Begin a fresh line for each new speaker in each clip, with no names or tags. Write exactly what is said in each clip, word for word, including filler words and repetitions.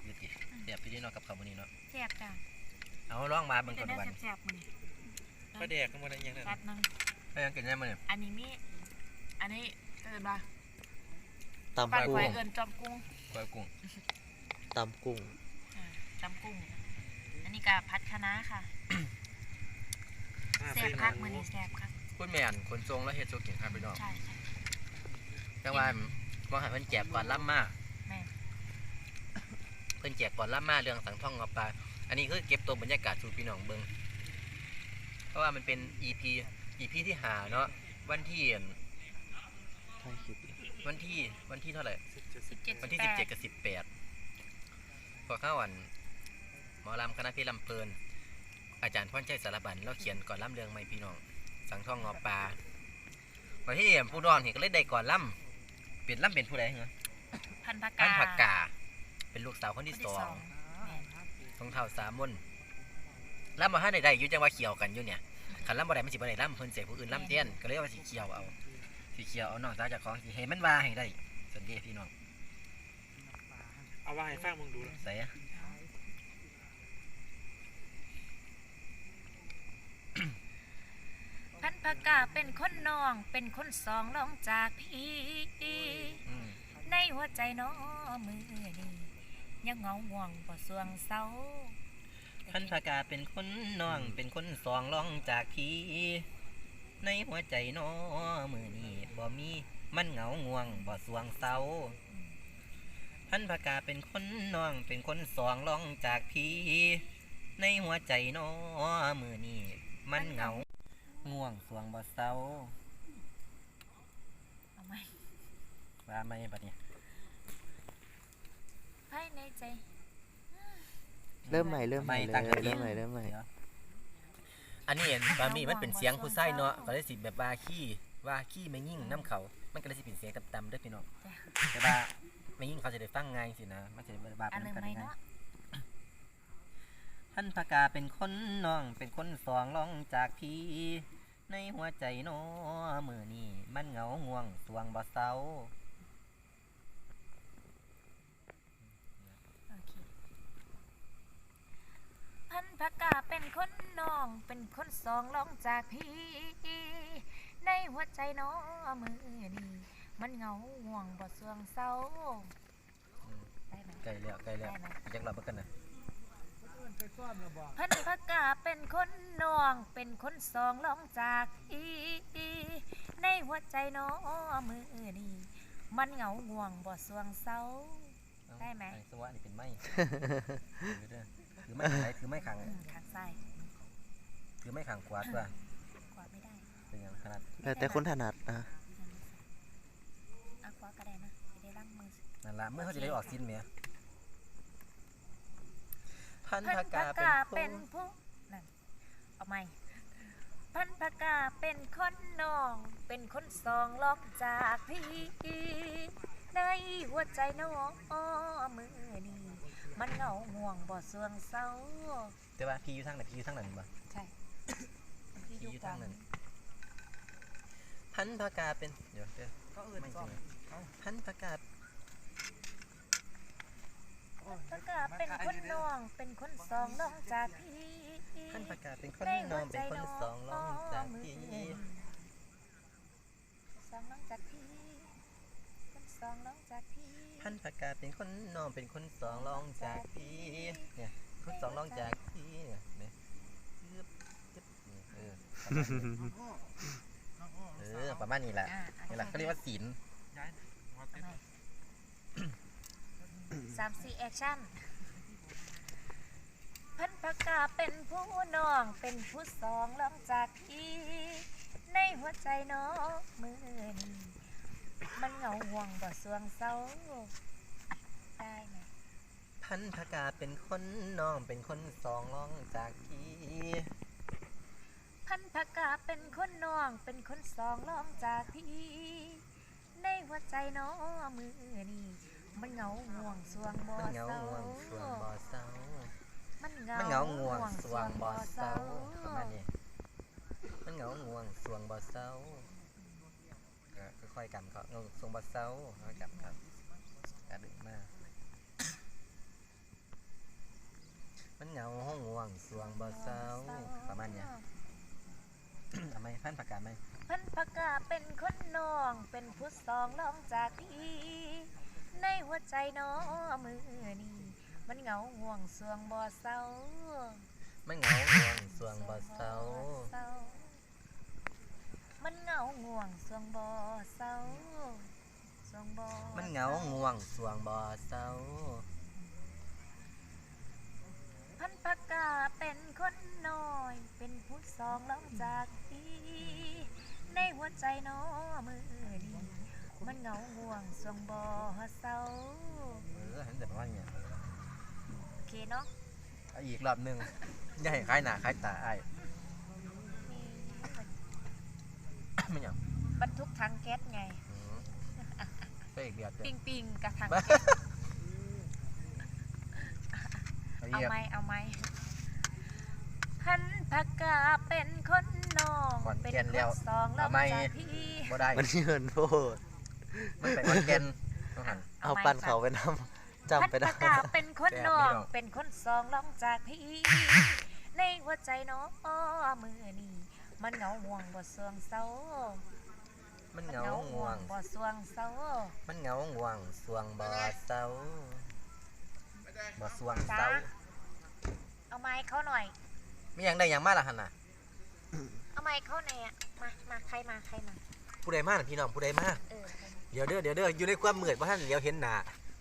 อยู่ติแซ่บพี่ดีเนาะกับข้าวมื้อนี้เนาะ
แซ่บจ้ะ
เอาลองมาเบิ่งก่อนวัน
แซ่บๆมื้อนี้
ปลาแดกก็บ่ได้ยังนั่น
จัดนึง
ให้ยังกินได้มื้อนี้
อันนี้มีอันนี้เอิ้นว่า
ตำ
ปลา
กุ้
ไข่
ง
เอิ้นจอมกุ้ง
ก้อยกุ้ง
ตำกุ้ง
อ่าจอมกุ้งอันนี้ก็ผัดคะน้าค่ะแซ่บคักมื้อนี้แซ่บคัก
คุณแม่นคนทรงแล้วเฮ็ดโซกินครับพี่น้อง
ใช่ใช่
แต่ว่าบ่ให้เพิ่นแจกก่อนล่ำมา
แม่
เพิ่นแจกก่อนล่ำมาเรื่องสังท่องงอปลาอันนี้คือเก็บตัวบรรยากาศสู่พี่น้องเบิ่งเพราะว่ามันเป็น อี พี อี พี ที่ห้าเนาะวันที่
ถ่ายคลิป
วันที่วันที่เท่าไหร่
สิบเจ็ด
วันที่
สิ
สิ
บบ แป
เจ็ด
ด
กับสิบแปดพอเข้าวันหมอลำคณะเพชรลำเพลินอาจารย์พรชัยสารบัญเราเขียนก่อนล่ำเรื่องไม่พี่น้องสังท่องงอปลาวันที่ผู้ดอนเห็นก็เลยได้ก่อนล่ำเปลี่ยนล่ำเป็นผู้ใดเหรอ
พันธุ์ผัก
ท่าน
กา
ผักกาเป็นลูกสาวคนที่สอง
แม่น
ทองเท่าสามมนล่ำมาห้าใดๆอยู่จังว่าเขียวกันอยู่เนี่ยขันล่ำบ่ได้มันสิบ่ได้ล่ำเพิ่นเสียผู้อื่นล่ำเตี้ยนก็เลยว่าสีเขียวเอาสีเขียวเอานอกจากของสีให้มันว่าให้ได้สันเดีพี่น้อง
เอาว่าให้ฟังมึงดู
ใส่
พันธุ์ผักกาเป็นคนน้องเป็นคนสองรองจากพี่
อืม
ในหัวใจน้อมือนี้ยังเหงาห่วงบ่สวงเศร้า
ท่านพากาเป็นคนน้องเป็นคนสองรองจากพี่ในหัวใจน้อมือนี้บ่มีมันเหงาง่วงบ่สวงเศร้าท่านพากาเป็นคนน้องเป็นคนสองรองจากพี่ในหัวใจน้อมือนี้มันเหงาง่วงสวงบ่เศร้า
เอาไหม
ว่าไหมบัดนี้
ภายในใจ
เริ่มใหม่เริ่มใหม่เลย
ตั้งแต่
เริ่มใหม่เริ่มใหม่
อันนี้เห็นบามีมันเป็นเสียงผู้ชายเนาะก็เลยสิแบบว่าขี้ว่าขี้ไม่ยิ่งน้ำเขามันก็เลยสิเป็นเสียงต่ำๆเด้วยพี่น้องแต่ว่าไม่ยิ่งเขาจะได้ฟังง่ายสินะมันจะได้บาป
อัน
นำ
เริ่ม
กัน
ไหม
ง่าย
เนาะ
ท่านพากาเป็นคนน้องเป็นคนสองรองจากพี่ในหัวใจน้อมือนี้มันเหงาง่วงสวงบ่เศร้า
โอเคพันธุ์ผักกาเป็นคนน้องเป็นคนสองรองจากพี่ ในหัวใจน้อมือนี้มันเหงาห่วงบ่สวงเศร้า
อืม
ได้ไหม
ใกล้แล้วใกล้แล้ว
ได้ไหม
อยากรับกันนะ
พันธุ์ผักกาเป็นคนน้องเป็นคนสองรองจากอีในหัวใจน้อมือนี้มันเหงาห่วงบ่สวงเศร้า ได้ไหม
อ้สวะนี่เป็นไม้ ถือเด้อถือไม้ไหนถือไม้ขัง
อืมทางซ้าย
ถือไม้ขังขวาตัว
ขวาไม่ได้
เป็นอย่างขนาด
แล้วแต่คนถนัดนะ
เอาขวาก็ได้นะจะได้ล้างมือ
นั่นละเมื่อเขาจะได้ออกสิ้นเมียพัน
พัน
ธากา
ธุ์
เป็
กาน
ผู้
เป็นผู้นั่นเอาไหมพันธุ์กาเป็นคนน้อง เป็นคนสองลอกจากพี่ในหัวใจน้องมือนี้มันเหงาห่วงบ่สวงเศร้า
แต่ว่าพี่อยู่ทางไหนพี่อยู่ทางนั้นบ่
ใช่พี่อยู่
อยู่
กลา
ทาง งนั้นพันธากาเป็นเดี๋ยวเดี๋ยว
ก็อื่น
ไม่
ซ่อม
ใช่พันธากา
พันธุ์กาเป็นคนน้อง เป็นคนสองลอกจากพี่
พันธากาเป็นคนนอนเป็นคนสองร้องจากพี่
สองลอกจากพี่คนสองลอกจากพี่
พันธากาเป็นคนนอนเป็นคนสองร้องจากพี่เนี่ยคนสองร้องจากพี่เนี่ยเนี่ยจึ๊บจึ๊บนี่เออเออประมาณนี้แหละ
อ่า
นี่แหละเขาเรียกว่าศีล
ย้ายมาเต้น
สามสี่แอคชั่นพันปากกาเป็นผู้น้อง เป็นผู้สองลองจากพี่ในหัวใจน้องมือนี้มันเหงาห่วงบ่สวงเศร้าได้ไหม
พันธากาเป็นคนน้องเป็นคนสองร้องจากพี่
พันปากกาเป็นคนน้อง เป็นคนสองลองจากพี่ในหัวใจน้องมือนี้มันเหงาห่วงสวงบ่
มันเหงา
เศร้า
ง่วงสวงบ่เศร้า
มันเหงา
มันเหงาง่วงสวงบ่เศร้า
เศ
ประมาณนี้มันเหงาง่วงสวงบ่เศร้าก็ค่อยๆกันเขาเงาสวงบ่เศร้าค่อยๆกันครับกระดึงมากสวงบ่เศร้าประมาณเนี้ย ทำไมพันประกาศไหม
พันพกาเป็นคนน้อง เป็นผู้สองรองจากพี่ในหัวใจน้อมือนี้มันเหงาห่วงสวงบ่เศร้า
มันเหงาห่วงสวงบ่เศร้า
มันเหงาห่วงสวงบ่เศร้าสวงบ่
มันเหงาง่วงสวงบ่เศร้า
พันพกาเป็นคนน้อย เป็นผู้สองรองจากพี่ในหัวใจน้อมือนี้มันเหงาห่วงสวงบ่เศร้า
เออเห็นแต่ประมาณเนี้ย
โอเคเนาะ
เอาอีกรอบหนึ่งอย่าให้คล้ายหน้าคล้ายตาไอ้าย ไม่หยัง
บรรทุกถังแก๊สไง
อืมไปอีกเดียวเต็
ปิ
ม
งปิงกับถัง
บ้า
แก๊ส
เอา
เอา
อีก
ไหมเอาไหมพันพกาเป็นคนน้อง
ขอน
เป็น
แก่น
ค
แล้ว
นสองแล้ว
เอาไหม
จากพี่
บ่ได้
มันเยินโพด
มันไปขอนแก่นต้องหัน
เอา
ไหม
ปั้นเขาไปนำ
พัน
จำไป
พ
ได้
กาเป็นคนน้อง
แซ่บพี่น้อง
เป็นคนสองรองจากพี่ ในหัวใจน้องมือนี้มันเหงาห่วงบ่สวงเศร้า
มันเหงาง่วง
บ่สวงเศร้า
มันเหงาง่วงสวงบ่เศร้าบ่สวง
จ้า
เศร้า
เอาไม้เขาหน่อย
มีหยังได้หยังมาล่ะหั่นน่ะ
เอาไม้เขาหน่อยอะมามาใครมาใครมา
ผู้ใดมาน่ะพี่น้องผู้ใดมา
เออ
เดี๋ยวเด้อเดี๋ยวเด้ออยู่ในความมืดบ่ทันเดี๋ยวเห็นหน้า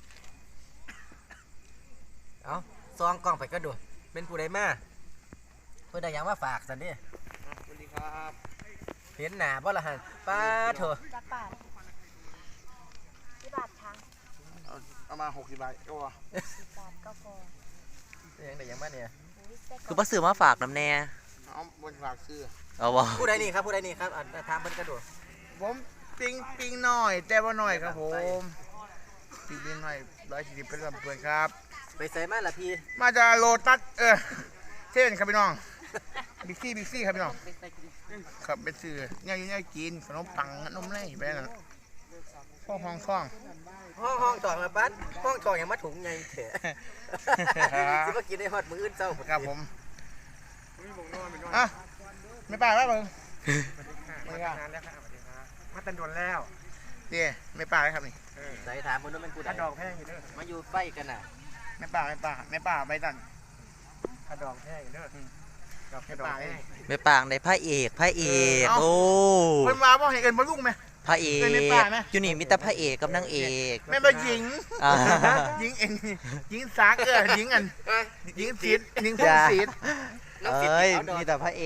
เอ้าซองกล้องไปก็ดูเป็นผู้ใดมาเพิ่นได้หยังมาฝากซั่นเด้
สวัสดีครับ
เห็นหน้าบ่ล่ะหั่นป้าโถ
จักบาทที่บาททาง
เอาเอามาหกสิบบาทก็พอ
สิบบาทก็พอ
ได้หยังได้หยังมาเนี่ย
อุ้ยไส้กร
คือ อก บ่ซื้อมาฝากน้ำแน่
เอาบนฝากซื้อ
เอาบ่
ผู้ใดนี่ครับผู้ใดนี่ครับอ่ะถามเพิ่นก็ดู
ผมปิงปิงหน่อย แต่ว่าหน่อยครับผมปิงปิงหน่อยร้อยสี่สิบเป็นลำเพื่อนครับ
ไปใส่มาล่ะพี่
มาจากโลตัสเออเท่นครับพี่น้องบิ๊กซี่บิ๊กซี่ครับพี่น้องครับเป็นซื้อเนี่ยอยู่เนี่ยกินขนมปังนมไล่ไปนั่นพ่อห้องท่อง
ห้องห้องตองละปัดห้องตองยังมาถุงไงเถอะสิมากินได้ฮอดมื้ออื่นเช้าพุ่น
ครับผมอ่ะไม่ป่าแล้วเบิ่งไม่ป่า
มาตันโดนแล้ว
เดี๋ยไม่ป่าเลยครับนี่
ใส่ถามเพิ่นว่ามันผู้ใด
ถ้าดอกแพงอยู่เด้อ
มาอยู่ไฟกันน่ะ
ไม่ป่าไม่ป่าไม่ป่าไปตัน
ถ้าดอกแพงอยู่เด้อดอก
ไม่
แค่ดอก
ป่า
แพ
เลย
ง
ไม่ปางได้พระเอกพระเอก
เออเอา
โอ้
เพิ่นมาบ่ให้เอิ้นบ่ลุงไหม
พระเอก
เคยไม่ปางไหม
อยู่นี่มีแต่พระเอกกับนางเอก
แม่นบ่หญิง
อ่า
หญิงเอ็นหญิงซักเออหญิงอันหญิงศิษย์หญิงพง
จ้า
ศิษย์
น้องสิ
เอ้ย
เอาดอก
มีแต่พระเอก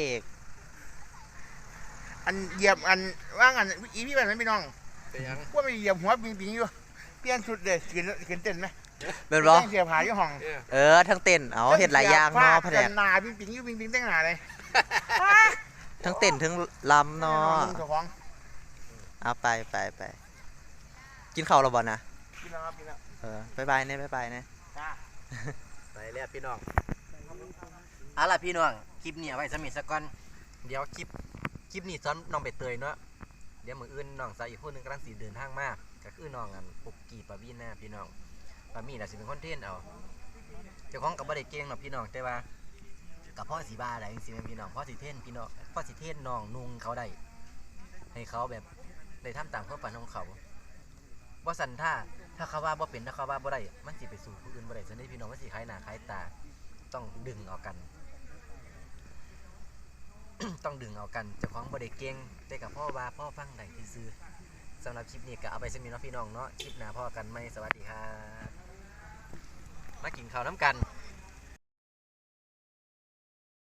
อันเหยียบอันว่างอันอีพี่แบบนั้นพี่น้อง
เป็นหยัง
ว่าไปเหยียบหัวปิงปิงอยู่เปลี่ยนชุดเลยขึ้นขึ้นเต้นไหม
เป็นบ่
แต่งเสียผาอยู่ห้อง
เออทั้งเต้นเอาเฮ็ดหลายอย่างเนาะแผน
กั
ก
นหนาปิงปิงอยู่ปิงปิงแต่งหนาเลย
ทั้งเต้นทั้งลำเนาะ
เจ้าของ
เอาไปไปไปกินข้าวแล้วบ่นะ
กินแล้วครับกินแล้ว
เออบ๊ายบายเนี่ยบ๊ายบายเนี่ย
จ้า
ไปแล้วพี่น้องเอาล่ะพี่น้องคลิปนี้เอาไว้สมิทซะก่อนเดี๋ยวคลิปคลิปนี้ซ้อนน้องใบเตยเนาะเดี๋ยวมื้ออื่นน้องสาวอีกคนหนึงกำลังสิเดินทางมาก็คือน้องอันปุกกี้ปาวีนาพี่น้องปามีน่ะสิเป็นคนเทรนเอาเจ้าของก็บ่ได้เก่งหรอกพี่น้องแต่ว่ากับพ่อสีบาอะไรจริงๆแม่นพี่น้องพ่อสิเทรนพี่น้องพ่อสิเทรนน้องนุ่งเขาได้ให้เขาแบบได้ทำตามความฝันของเขาบ่สันท่าถ้าเขาว่าบ่เป็นถ้าเขาว่าบ่ได้มันสิไปสู่ผู้อื่นบ่ได้ซั่นเด้พี่น้องมันสิคล้ายหน้าคล้ายตาต้องดึงเอากัน ต้องดึงเอากันเจ้าของบ่ได้เก่งแต่กับพ่อว่าพ่อฟังได้ซื่อๆสำหรับคลิปนี้ก็เอาไปสมิเนาะพี่น้องเนาะคลิปหน้าพ่อกันไหมสวัสดีครับมากินข้าวน้ำกัน